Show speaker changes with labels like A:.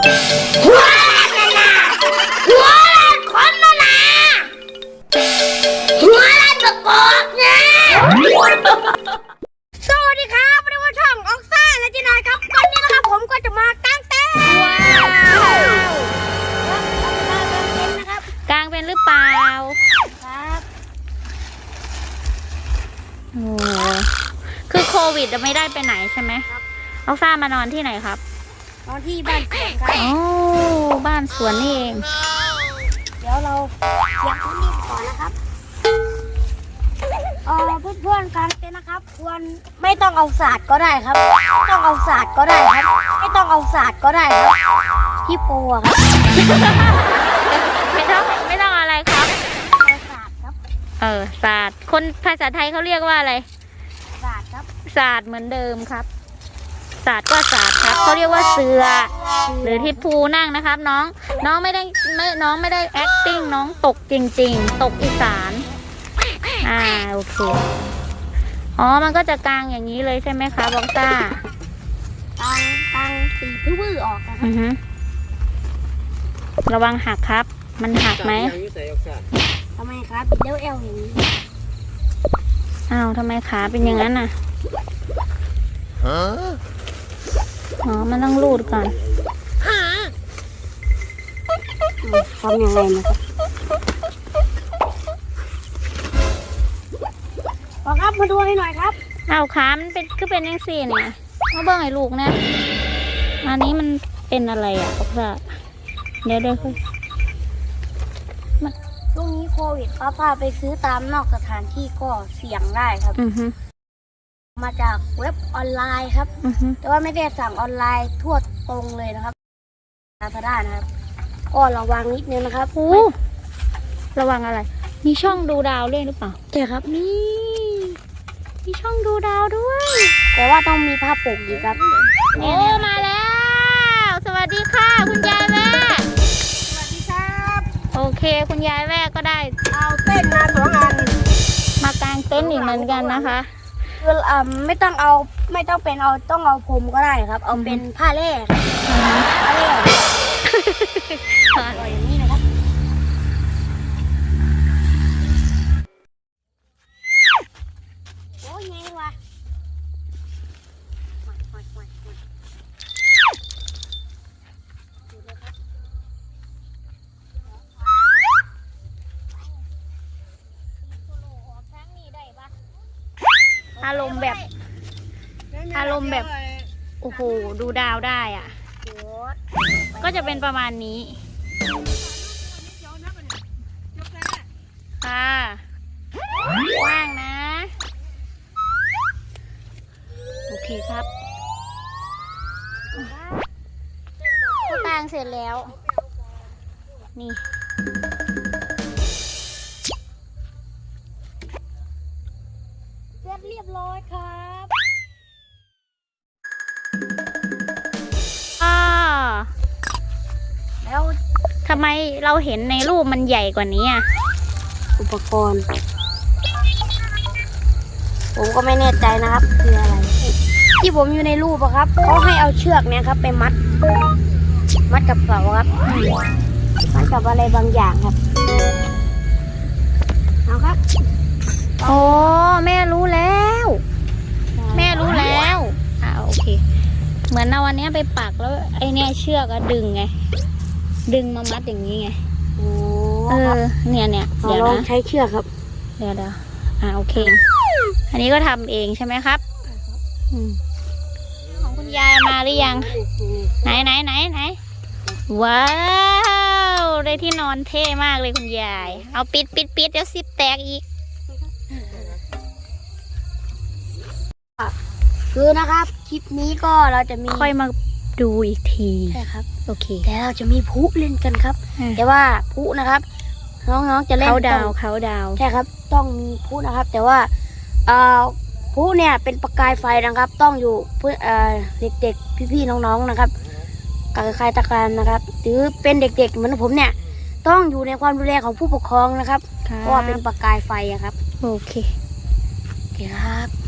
A: หัวละนะหัวละคนละนะหัวละตะกอกนะสวัสดีครับวันนี้ว่าช่องออกซ่าและจีนายครับวันนี้นะครับผมก็จะมากางเต็นท์
B: กลางเป็นหรือเปล่า
A: ครับ
B: โอ้คือโควิดจะไม่ได้ไปไหนใช่ไหมเอาซ่ามานอนที่ไหนครับ
A: นอนที่บ้านสวนครับ
B: โอ้บ้านสวนนี่เอง
A: เดี๋ยวเราเก็บพื้นที่ก่อนนะครับเพื่อนๆกางเต็นท์นะครับควรไม่ต้องเอาศาสตร์ก็ได้ครับไม่ต้องเอาศาสตร์ก็ได้ครับไม่ต้องเอาศาสตร์ก็ได้ครับที่ปูอะครับ
B: ไม่ต้องอะไรครับ
A: เอาศาสตร์ครับ
B: ศาสตร์คนภาษาไทยเขาเรียกว่าอะไร
A: ศาสตร์ครับ
B: ศาสตร์เหมือนเดิมครับศาสตร์ก็ศาสตร์ครับเขาเรียกว่าเสือหรือที่ภูนั่งนะครับน้องไม่ได้ acting น้องตกจริงๆตกอีสานโอเคอ๋อมันก็จะกางอย่างนี้เลยใช่ไหมคะบอกซ่าก
A: างตีพื้นออกนะครับ
B: ระวังหักครับมันหักไหม
A: ทำไมครับเลี้ยวเอวอย่างนี้
B: อ้าวทำไมขาเป็นอย่างนั้นน่ะอ๋อมันต้องรูดก่อน
A: ทำยังไงนะครับครับมาดูให้หน่อยครับ
B: เอาขามันเป็นก็เป็นยังสี่เนี่ยมาเบิ้งไอ้ลูกเนี่ยอันนี้มันเป็นอะไรอ่ะบอกว่าเดี๋ยวค่อย
A: ช่วงนี้โควิดป้าไปซื้อตามนอกสถานที่ก็เสี่ยงได้ครับมาจากเว็บออนไลน์ครับแต่ว่าไม่ได้สั่งออนไลน์ทั่วตรงเลยนะครับลาซาด้านะครับก็ระวังนิดนึงนะครับ
B: ระวังอะไรมีช่องดูดาวด้วยหรือเปล่า
A: ใช่ครับ
B: มีช่องดูดาวด้วย
A: แต่ว่าต้องมีผ้าปกอีกครับ
B: โอ้มาแล้วสวัสดีค่ะคุณยายแม่
A: สวัสดีครับ
B: โอเคคุณยายแม่ก็ได้
A: เอาเต้นมา2 อัน
B: มากางเต้นอีกเหมือนกันนะคะ
A: คือไม่ต้องเอาพรมก็ได้ครับเอาเป็นผ้าแร่ผ้าแร่อร่อยอย่างนี้นะครับโอ้ยไงวะ
B: อารมณ์แบบโอ้โหดูดาวได้อ่ะก็จะเป็นประมาณนี้ค่ะว่างนะโอเคครับก็กางเสร็จแล้วนี่
A: เสร็จเรียบร้อยครับ
B: แล้วทำไมเราเห็นในรูปมันใหญ่กว่านี้อ่ะ
A: อุปกรณ์ผมก็ไม่แน่ใจนะครับคืออะไรที่ผมอยู่ในรูปอะครับเขาให้เอาเชือกเนี่ยครับไปมัดกับเสาครับมัดกับอะไรบางอย่างครับเอาครับ
B: โอ้แม่รู้แล้วโอเคเหมือนเอาวันนี้ไปปักแล้วไอเนี่ยเชือกอะดึงไงดึงมามัดอย่างนี้ไงเนี่ย
A: เดี๋ยวนะใช้เชือกครับ
B: เดี๋ยวโอเคอันนี้ก็ทำเองใช่ไหมครับของคุณยายมาหรือยังไหนว้าวได้ที่นอนเท่มากเลยคุณยายเอาปิดเดี๋ยวซิปแตกอีก
A: คือนะครับคลิปนี้ก็เราจะมี
B: ค่อยมาดูอีกที
A: ใช่ครับ
B: โอเค
A: แต่เราจะมีพลุเล่นกันครับแต่ว่าพลุนะครับน้องๆจะเล่น
B: เขาดาว
A: ใช่ครับต้องมีพลุนะครับแต่ว่าพลุเนี่ยเป็นประกายไฟนะครับต้องอยู่เพื่อเด็กๆพี่ๆน้องๆนะครับกับใครตะการนะครับหรือเป็นเด็กๆเหมือนผมเนี่ยต้องอยู่ในความดูแลของผู้ปกครองนะครับเพราะว่าเป็นประกายไฟครับ
B: โอเค
A: ครับ